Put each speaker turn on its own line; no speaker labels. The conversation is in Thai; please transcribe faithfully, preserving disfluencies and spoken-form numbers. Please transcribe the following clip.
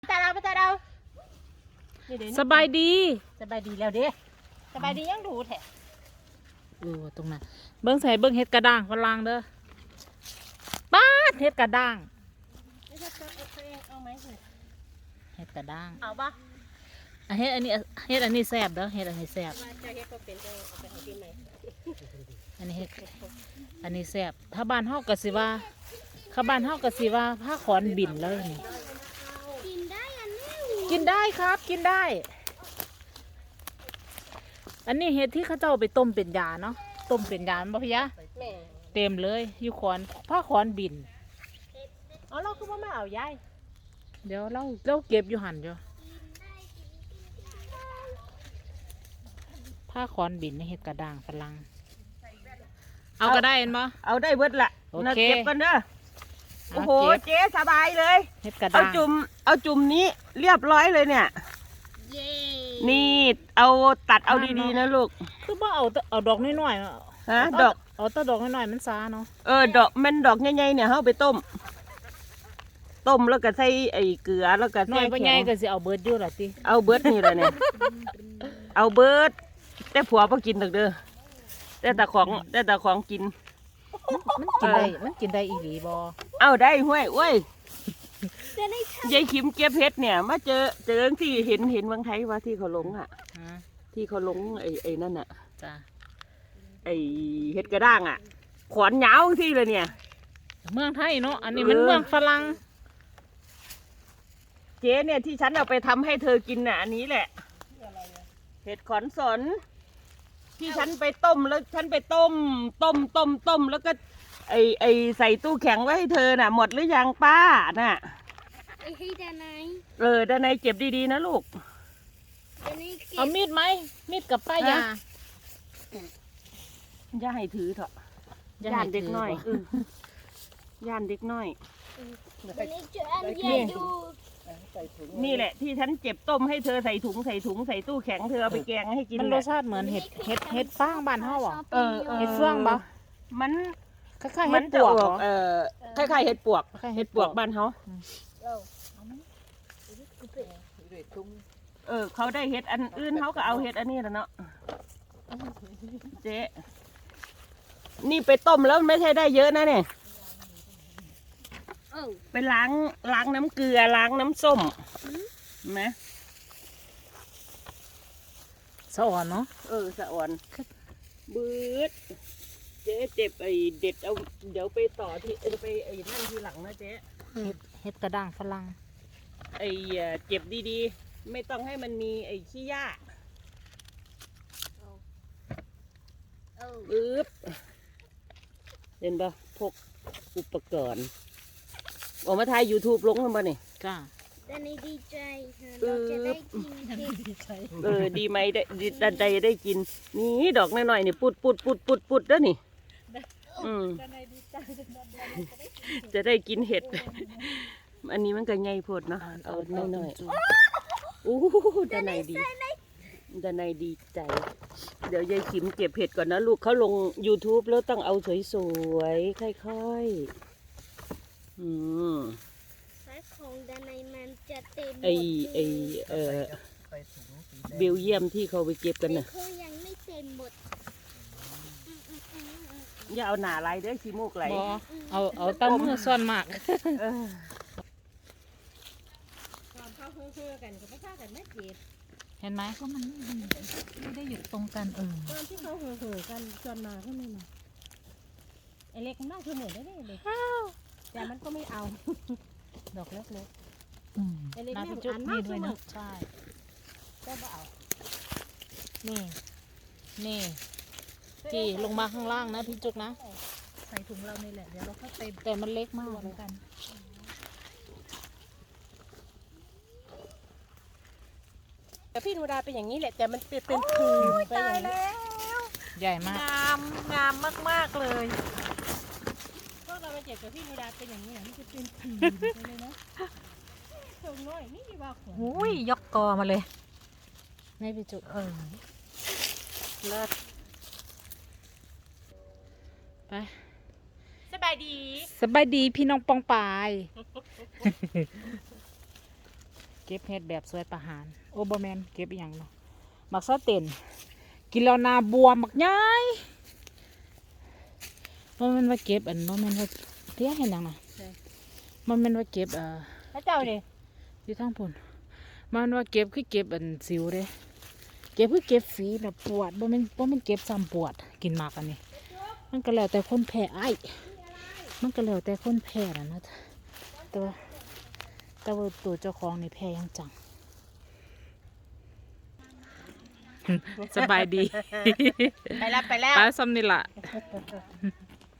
ตาเราไปตาเรา
สบายดี
สบายดีแล้วเด้สบายดียังดูแท้
เออตรงนั้นเบิ้งใส่เบิ้งเห็ดกระด้างฝรั่งเด้อป้าดเห็ดกระด้างเห็ดกระด้าง
เอาปะ
อ่ะเห็ดอันนี้เห็ดอันนี้แซ่บเด้อเห็ดอันนี้แซ่บอันนี้เห็ดอันนี้แซ่บถ้าบ้านเฮากะสิว่าถ้าบ้านเฮากะสิว่าผ้าขอนบินเลยนี่กินได้อันนี้กินได้ครับกินได้อันนี้เห็ดที่เขาเจ้าไปต้มเป็นยาเนาะต้มเป็นยาบ่พี่ยะเต็มเลยอยู่ขอนผ้าขอนบิน
อ๋อเราคือว่าไม่เอายาย
เดี๋ยวเราเราเก็บอยู่หันอยู่ผ้าขอนบินในเห็ดกระด้างฝรั่งเอาก็ได้เห็นบ่
เอาได้เบิดละ
โอเค
เก็บกันเด้อโอ้โหเจ๊สบายเลย
เห็ดกระด้า
เอา
ง
จุ่มเอาจุ่มนี้เรียบร้อยเลยเนี่ยนี่เอาตัดเอาดีๆนะลูก
คือว่าเอาเอาดอกน้อยๆ
ฮะดอก
เอาแต่ดอกน้อยๆมันซาเนาะ
เออดอกมันดอกใหญ่ๆเนี่ยเอาไปต้มต้มแล้วก็ใส่ไอ้เกลือแล้วก็
น้
ใส่
อยไปใหญ่ก็สิเอาเบิดอยู่ล่ะติ
เอาเบิดนี่แหละเนี่ยเอาเบิดแต่ผัวบ่กินดอกเด้อแต่แต่ของแต่แต่ของกิน
มันกินได้มันกินได้อีหลีบ่
เอาได้ห้วยโอ้ยยายขิมเก็บเห็ดเนี่ยมาเจอเจอที่เห็นเห็นเมืองไทยว่าที่เขาลงอ่ะที่เขาลงไอ้ไอ้นั่นอ่ะ
จ้ะ
ไอ้เห็ดกระด้างอ่ะขอนยาวที่เลยเนี่ย
เมืองไทยเนาะอันนี้มันเมืองฝรั่ง
เจ๊เนี่ยที่ฉันเอาไปทำให้เธอกินน่ะอันนี้แหละเห็ดขอนสนที่ฉันไปต้มแล้วฉันไปต้มต้มต้มต้มแล้วก็ไอไอใส่ตู้แข็งไว้ให้เธอน่ะหมดหรือยังป้าน่ะ
ไอ้ให้ด้านใน
เออด้านในเจ็บดีๆนะลูก
เอามีดไหมมีดกับป้ายา
ย่าให้ถือเถอะย่านเด็กน้อยย่านเด็กน้อยนี่แหละที่ฉันเจ็บต้มให้เธอใส่ถุงใส่ถุงใส่ตู้แข็งเธอเอาไปแกงให้กิน
มันรสชาติเหมือนเห็ดเห็ดเห็ดฟางบ้านเฮาอ่ะ
เออ
เห็ดเฟืองบ่
มัน
คล้ายๆเห็ดปวก
เออคล้ายๆเห็ดปวกเห็ดปวกบ้านเขาเออเขาได้เห็ดอันอื่นเขาก็เอาเห็ดอันนี้แล้วเนาะเจ๊นี่ไปต้มแล้วไม่ใช่ได้เยอะนะเนี่ยไปล้างล้างน้ำเกลือล้างน้ำส้มนะ
สะอ่อนเนาะ
เออสะอ่อนบืดเจ๊เจ็บไอเด็ดเอาเดี๋ยวไปต่อที่ไปไอ้นั่นทีหลังนะเจ๊
เห็ดเห็ดกระด้างฝรั่ง
ไอเจ็บดีๆไม่ต้องให้มันมีไอ้ขี้หญ้าอึ๊บเห็นปะพกอุปกรณ์ออกมาถ่าย ยูทูบ ลงกันป่ะนี่
จ้า
ดันดีใจเราจะได้กิน
เออดีไหมได้ดันใดได้กินนี่ดอกน้อยๆนี่ปุดปุดปุดปุดปุดแล้วนี่อืมจะได้กินเห็ดอันนี้มันก็ใหญ่โพดเนาะเอาน้อยๆอู้ด้านในดีด้านในดีใจเดี๋ยวยายขิมเก็บเห็ดก่อนนะลูกเขาลง ยูทูบ แล้วต้องเอาสวยๆค่อยๆอืม
สายของด้านในมันจะเต็ม
ไอไอเออเบลเยียมที่เขาไปเก็บกันน่ะ
เขายังไม่เต็มหมด
อย่าเอาหนาลายเด้อขี้มูกไหล
เอาเอาตั้งมือซ่อนมาก
ตอนเข้าเฮือกันก็ไม่ฆ่ากันไม่เจ็บ
เห็นไหมก็มันไม่ได้อยู่ตรงกันเออ
ตอนที่เขาเฮือกันจนมาขึ้นมาไอเล็กมันน่าคือเหมือนได้เลยแต่มันก็ไม่เอาดอกเล็กๆไอเล็กนี่จุดนี่ด้วยนะใช่ก็ไม่เอานี่นี่จีลงมาข้างล่างนะพี่จุกนะใส่ถุงเรานี่แหละเดี๋ยวเราเข้าไปแต่มันเล็กมากเหมือนกันแต่พี่นูดาเป็นอย่างนี้แหละแต่มันเป็นเป็นผืนไปอย่างนี้
ใหญ่มาก
งามงามมากๆเลยพวกเราไปเจ็บกับพี่นูดาเป็นอย่างนี้นี่จะเป็นผืนไปเลยนะตรงน้อยนี่ว่าของ
อุ้ยยกกอมาเลยไม่พี่จุเออเลิศไป
สบายดี
สบายดีพี่น้องปองปายก็บเห็ดแบบสวยประหารโอเบอร์แมนเก็บอหย่างเนาะหมักซาเต็นกินแล้วนาบวมหมักย้ายมันมันว่าเก็บอันมันมันว่าเที่ยเห็นยังนะมันมันว่าเก็บเอ่อ
แล้วเจ้าดิ
อยู่ทางพุ่นมันว่าเก็บคือเก็บอันสิวเด้เก็บคือเก็บฝีแบบปวดบ่แม่นบ่แม่นเก็บซ้ำปวดกินหมากอันนี้มันก็แล้วแต่คนแพ้ไอ้มันก็แล้วแต่คนแพ้น่ะนะแต่ว่าแต่ว่าตัวเจ้าของนี่แพ้ยังจัง สบายดี
ไปแล้วไปแล้ว
ไปซ้ำนี่ล่ะ